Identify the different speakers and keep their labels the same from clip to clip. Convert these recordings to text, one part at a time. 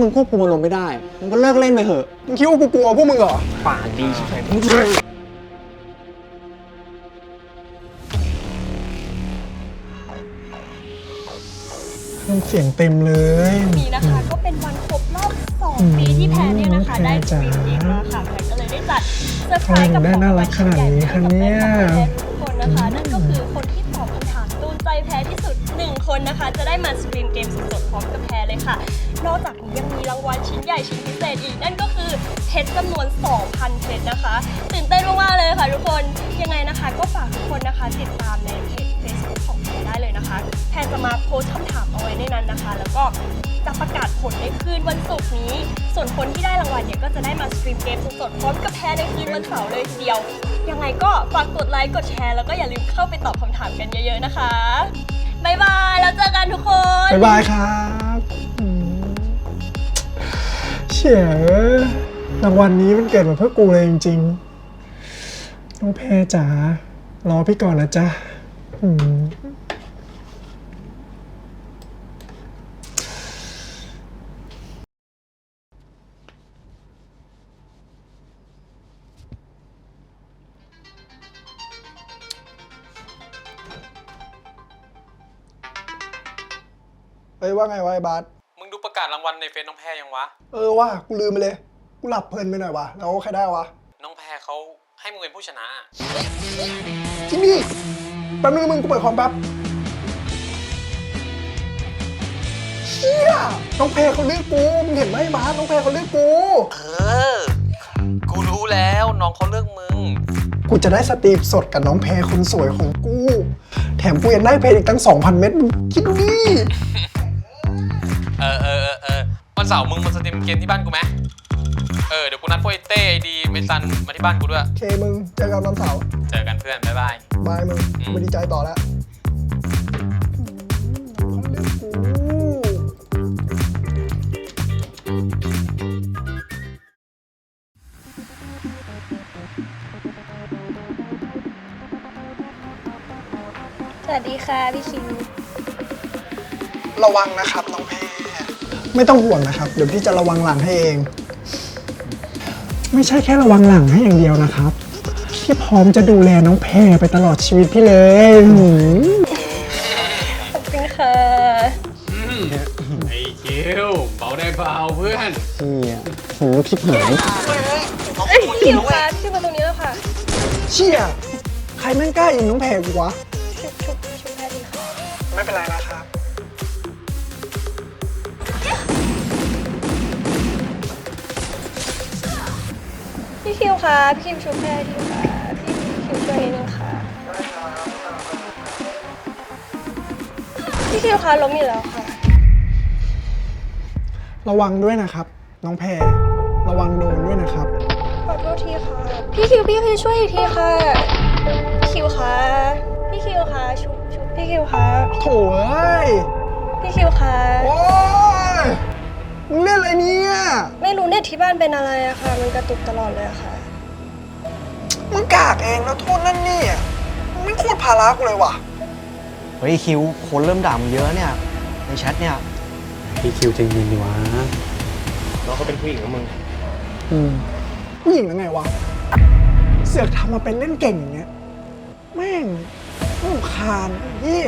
Speaker 1: มึงควบคุมอารมณ์ไม่ได้มึงก็เลิกเล่นไปเถอะ
Speaker 2: มึงคิดว่ากูกลัวพวกมึงเหรอ
Speaker 1: ปากดีใช่ไหม
Speaker 2: เสียงเต็มเลย
Speaker 3: นี้นะคะก็เป็นวันครบรอบ2 ปีที่แพนเนี่ยนะคะได้สตรีมเกมมาค่ะแพนก็เลยได้จัดเซอร์ไพรส์กับของรางวัลชิ้นใหญ่ให้กับแฟนคลับแพนทุกคนนะคะนั่นก็คือคนที่ตอบคำถามโดนใจแพนที่สุด1 คนนะคะจะได้มาสตรีมเกมสดๆพร้อมกับแพนเลยค่ะนอกจากนี้ยังมีรางวัลชิ้นใหญ่ชิ้นพิเศษอีกนั่นก็คือเพชรจำนวน 2,000 เพชรนะคะตื่นเต้นมากๆเลยค่ะทุกคนยังไงนะคะก็ฝากทุกคนนะคะติดตามในเพจ Facebook ของแพนได้เลยนะคะแพนจะมาโพสต์คำถามเอาไว้ในนั้นนะคะแล้วก็จะประกาศผลในคืนวันศุกร์นี้ส่วนคนที่ได้รางวัลเนี่ยก็จะได้มาสตรีมเกมสดๆพร้อมกับแพนในคืนวันเสาร์เลยทีเดียวยังไงก็ฝากกดไลค์กดแชร์แล้วก็อย่าลืมเข้าไปตอบคำถามกันเยอะๆนะคะบ๊ายบายแล้วเจอกันทุกคน
Speaker 2: บ๊ายบายครับเชี่ยรางวัลนี้มันเกิดมาเพื่อกูเลยจริงๆน้องแพรจ๋ารอพี่ก่อนนะจ๊ะเฮ้ยว่าไงวะไอ้บาส
Speaker 4: มึงดูประกาศรางวัลในเฟซน้องแพรยังวะ
Speaker 2: ว่ากูลืมไปเลยกูหลับเพลินไปหน่อยวะแล้วใครได้วะ
Speaker 4: น้องแพรเขาให้มึงเป็นผู้ชนะ
Speaker 2: จริงดิแป๊บนึงมึงกูเปิดคอมแป๊บเชี่ยน้องแพรเขาเลือกกูมึงเห็นไหมบาสน้องแพรเขาเลือกกู
Speaker 4: กูรู้แล้วน้องเขาเลือกมึง
Speaker 2: กูจะได้สตรีมสดกับน้องแพรคนสวยของกูแถมกูยังได้เพลงอีกตั้ง 2,000 เม็ดมึงคิดดูดิ
Speaker 4: วันเสาร์มึงมาสตรีมเกมที่บ้านกูไหมเดี๋ยวกูนัดพวกไอ้เต้ไอดีเมซันมาที่บ้านกูด้วย
Speaker 2: โอเคมึงเจอกันวันเสาร์
Speaker 4: เจอกันเพื่อนบ๊ายบาย
Speaker 2: บายมึงกูดีใจต่อแล้ว
Speaker 3: สวัสดีค่ะพี่คิว
Speaker 2: ระวังนะครับน้องแพรไม่ต้องห่วงนะครับเดี๋ยวพี่จะระวังหลังให้เองไม่ใช่แค่ระวังหลังให้อย่างเดียวนะครับพี่พร้อมจะดูแลน้องแพรไปตลอดชีวิตพี่เลย
Speaker 3: ขอบคุณค่ะ
Speaker 4: ไอ้คิวเบาได้เบาเพื่อน
Speaker 1: โหคลิปหาย
Speaker 3: คิวค่ะชื่อมาตรงนี้แล้วค่ะ
Speaker 2: เชี่ยใครแม่งกล้ายิงน้องแพรกูวะ
Speaker 3: ชุบแพรดีค่ะ
Speaker 2: ไม่เป็นไรนะครับ
Speaker 3: พี่คิวค่ะพี่คิวชุบแพรดีค่ะพี่คิวช่วยนิดนึงค่ะพี่คิวค่ะล้มอยู่แล้วค่ะ
Speaker 2: ระวังด้วยนะครับน้องแพรระวังโดนด้วยนะครับ
Speaker 3: ขอโทษทีค่ะพี่คิวช่วยอีกทีค่ะพี่คิวค่ะชุบพี่คิวค่ะ
Speaker 2: โถ่เอ้ย
Speaker 3: พี่คิวค่ะ
Speaker 2: โอ้ยมึงเล่นอะไรเนี่ย
Speaker 3: ไม่รู้เน็ตที่บ้านเป็นอะไรอะค่ะมันกระตุกตลอดเลยอะค่ะ
Speaker 2: มึงกากเองแล้วโทษนั่นนี่อ่ะมึงไม่โคตรภาระกูเลยว่ะ
Speaker 1: เฮ้ยคิวคนเริ่มด่ามึงเยอะเนี่ยในแชทเนี่ย
Speaker 4: พี่คิวใจเย็นดีวะ
Speaker 1: เราก็เป็นผู้หญิงของมึง
Speaker 2: ผู้หญิงยังไงวะเสือกทำมาเป็นเล่นเก่งอย่างเงี้ยแม่งรำคาญเหี้ย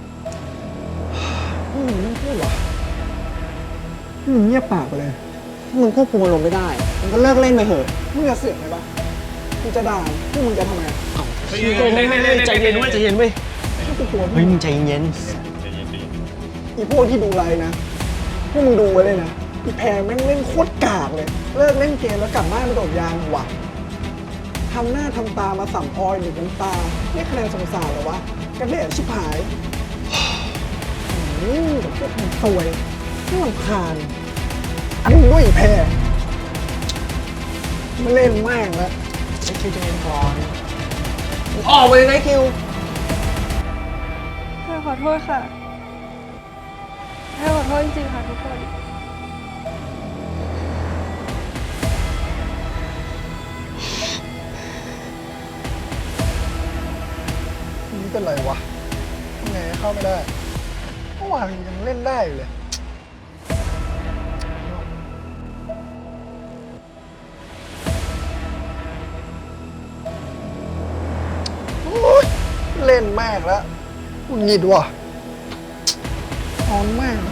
Speaker 2: มึงไม่พูดวะเงียบปากไปเลย
Speaker 1: มึงควบคุมอารมณ์ไม่ได้มึงก็เลิกเล่นไปเถอะ
Speaker 2: มึงจะเสือกไหมปะมึงจะด่าพวกมึงจะทำไง
Speaker 1: ใจเย็นเว้ยเฮ้ยมึงใจเย็น
Speaker 2: อีพวกที่ดูไลน์นะพวกมึงดูไว้เลยนะอีแพรแม่งเล่นโคตรกากเลยเลิกเล่นเกมแล้วกลับบ้านมาโดดยางว่ะทำหน้าทำตามาสัมออยหรือน้ำตานี่คะแนนสงสารเหรอวะกันเละชิบหายกับพวกมันซวยน่ารำคาญมึงด้วยอีแพรไม่เล่นแม่งแล้วไอ้คิวจะเล่นก่อนออกไปเลยนะคิว
Speaker 3: ขอโทษค่ะขอโทษจริงๆค่ะทุกคน
Speaker 2: นี่เป็นไรวะทำไงเข้าไม่ได้เมื่อวานยังเล่นได้อยู่เลยล่นแม่งแล้วหงุดหงิดว่ะนอนแม่ง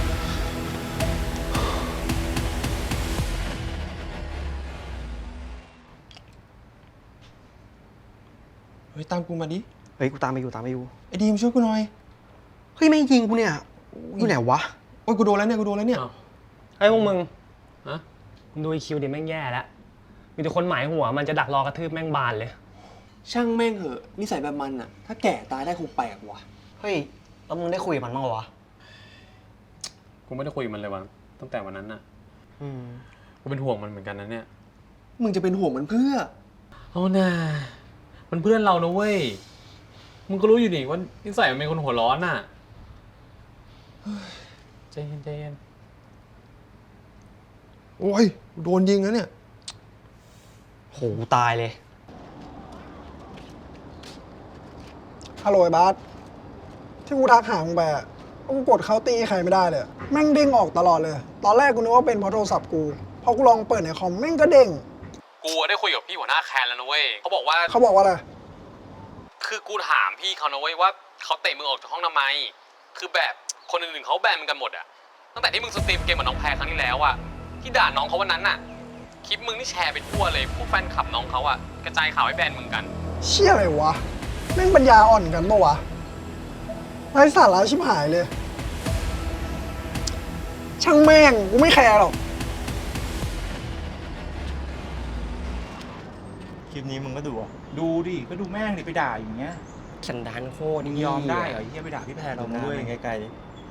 Speaker 1: เฮ้ยตามกูมาดิ
Speaker 5: เฮ้ยกูตามไปอยู่
Speaker 1: ไอ้ดีมช่วยกูหน่อย
Speaker 5: เฮ้ยแม่งยิงกูเนี่ยอยู่ไหนวะ
Speaker 1: โอ้ยกูโดนแล้วเนี่ย
Speaker 6: เฮ้ยพวกมึง
Speaker 4: ฮะ
Speaker 6: มึงดูไอคิวดิแม่งแย่แล้ว มีแต่คนหมายหัวมันจะดักรอกระทืบแม่งบานเลย
Speaker 1: ช่างแม่งเหอะนิสัยแบบมันอะถ้าแก่ตายได้คงแปลกว่ะ
Speaker 5: เฮ้ยแล้วมึงได้คุยกับมันบ้างเหรอวะ
Speaker 4: กูไม่ได้คุยกับมันเลยวันตั้งแต่วันนั้นน่ะ
Speaker 5: อืม
Speaker 4: กูเป็นห่วงมันเหมือนกันนะเนี่ย
Speaker 1: มึงจะเป็นห่วงมันเพื่อ
Speaker 4: เอาน่ะมันเพื่อนเรานะเว้ย มึงก็รู้อยู่ดิว่านิสัยมันเป็นคนหัวร้อนน่ะใจเย็น
Speaker 1: โอ้ยโดนยิงแล้วเนี่ย
Speaker 5: โหตายเลย
Speaker 2: ฮัลโหลไอ้บาสที่กูทักหามึงไปอะกูกดเขาตีใครไม่ได้เลยแม่งเด้งออกตลอดเลย ตอนแรกกูนึกว่าเป็นเพราะโทรศัพท์กูพอกูลองเปิดในคอมแม่งก็เด้ง
Speaker 4: ๆกูได้คุยกับพี่หัวหน้าแคนแล้วนะเว้ยเขาบอกว่า
Speaker 2: เขาบอกว่าอะไร
Speaker 4: คือกูถามพี่เขานะเว้ยว่าเขาเตะมึงออกจากห้องทำไม คือแบบคนอื่นๆเขาแบนมึงกันหมดอะตั้งแต่ที่มึงสตรีมเกมกับน้องแพรครั้งที่แล้วอะที่ด่าน้องเขาวันนั้นน่ะ คลิปมึงนี่แชร์ไปทั่วเลยพวกแฟนคลับน้องเขาอะกระจายข่าวให้แบนมึงกัน
Speaker 2: เชี่ยอะไรวะแม่งปัญญาอ่อนกันปะวะไร้สาระชิบหายเลย ช่างแม่งกูไม่แคร์หรอก
Speaker 1: คลิปนี้มึงก็ดูอ่ะ
Speaker 7: ดูดิก็ดูแม่งดิไปด่าอย่างเงี้ย
Speaker 5: สันดานโคตร
Speaker 7: มึงยอมได้เหรอไอ้เหี้ยไปด่าพี่แพรเรา
Speaker 1: หน้า
Speaker 7: ด้วย
Speaker 1: มันไกล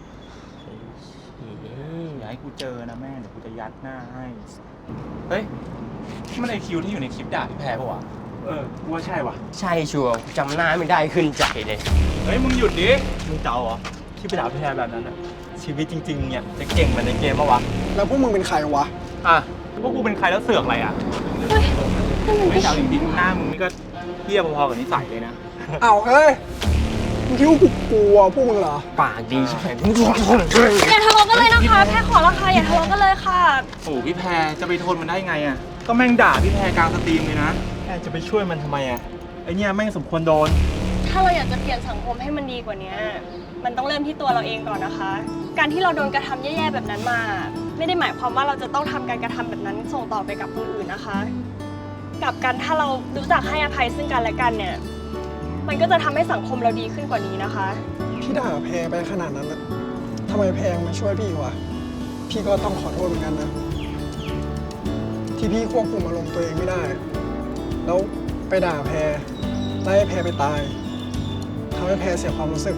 Speaker 7: อย่าให้กูเจอนะแม่งเดี๋ยวกูจะยัดหน้าให้เฮ้ยมันไอคิวที่อยู่ในคลิปด่าพี่แพรปะวะกูว่าใช่วะ
Speaker 5: ใช่ชัวร์จำหน้าไม่ได้ขึ้นใจเลย
Speaker 7: เฮ้ยมึงหยุดดิ
Speaker 1: ๆมึงเจ้าเหรอที่ไปด่าพี่แพรแบบนั้นอะชีวิตจริงๆเนี่ยจะเก่งเหมือนในเกมปะวะ
Speaker 2: แล้วพวกมึงเป็นใครวะ
Speaker 7: อ่ะพวกกูเป็นใครแล้วเสือกอะไรอ่ะไม่เจ้าจริงๆหน้ามึงนี่ก็เทียบพอๆกับนิสัยเลยนะ
Speaker 2: อ้าวเฮ้ยมึงคิดว่ากูกลัวพวกมึงเหรอ
Speaker 5: ปากดีใช่ไหม
Speaker 3: อย่าทะเลาะกันเลยนะคะแค่ขอละค่ะอย่าทะเลาะกันเลยค่ะ
Speaker 7: โอ้พี่แพรจะไปทนมันได้ไงอ่ะก็แม่งด่าพี่แพรกลางสตรีมเลยนะ
Speaker 1: แค่จะไปช่วยมันทำไมอะ
Speaker 7: ไอเนี่ยแม่งสมควรโดน
Speaker 3: ถ้าเราอยากจะเปลี่ยนสังคมให้มันดีกว่านี้มันต้องเริ่มที่ตัวเราเองก่อนนะคะ การที่เราโดนกระทำแย่ๆแบบนั้นมา ไม่ได้หมายความว่าเราจะต้องทำการกระทำแบบนั้นส่งต่อไปกับคนอื่นนะคะกลับกันถ้าเรารู้จักให้อภัยซึ่งกันและกันเนี่ย มันก็จะทำให้สังคมเราดีขึ้นกว่านี้นะคะ
Speaker 2: พี่ด่าแพรไปขนาดนั้นนะทำไมแพรมาช่วยพี่วะ พี่ก็ต้องขอโทษเหมือนกันนะ ที่พี่ควบคุมอารมณ์ตัวเองไม่ได้ แล้วไปด่าแพรไล่ให้แพรไปตายทำให้แพรเสียความรู้สึก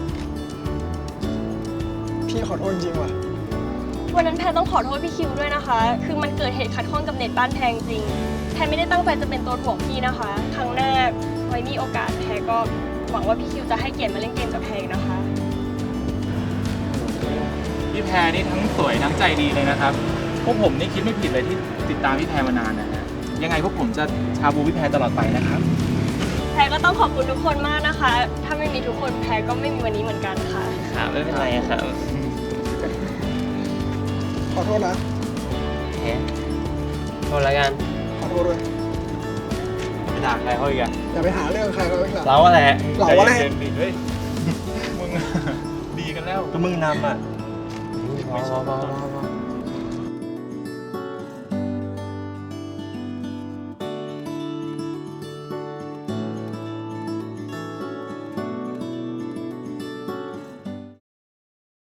Speaker 2: พี่ขอโทษจริงว่ะ
Speaker 3: วันนั้นแพรต้องขอโทษพี่คิวด้วยนะคะ คือมันเกิดเหตุขัดข้องกับเน็ตบ้านแพรจริง แพรไม่ได้ตั้งใจจะเป็นตัวถ่วงพี่นะคะ ครั้งหน้าไว้มีโอกาสแพรก็หวังว่าพี่คิวจะให้เกียรติมาเล่นเกมกับแพรอีกนะคะ
Speaker 7: พี่แพรนี่ทั้งสวยทั้งใจดีเลยนะครับ พวกผมนี่คิดไม่ผิดเลยที่ติดตามพี่แพรมานานนะฮะ ยังไงพวกผมจะชาบูพี่แพรตลอดไปนะครับ
Speaker 3: แพรก็ต้องขอบคุณทุกคนมากนะคะ ถ้าไม่มีทุกคนแพรก็ไม่มีวันนี้เหมือนกันค่ะ
Speaker 5: ครับไม่เป็นไรครับ
Speaker 2: ขอโทษนะ
Speaker 5: แหมโทษแล้วกัน
Speaker 2: ขอโทษด้วย
Speaker 1: ไปด่าใครเขาอีกอะ
Speaker 2: อย่าไปหาเรื่องใครเขาอีกล่ะ
Speaker 5: เราอะไร
Speaker 2: เราว่าแหละ
Speaker 7: ใจเย็นๆดิเฮ้ย มึง ดีกันแล้ว
Speaker 1: ก็มึงนำอะ
Speaker 5: พอ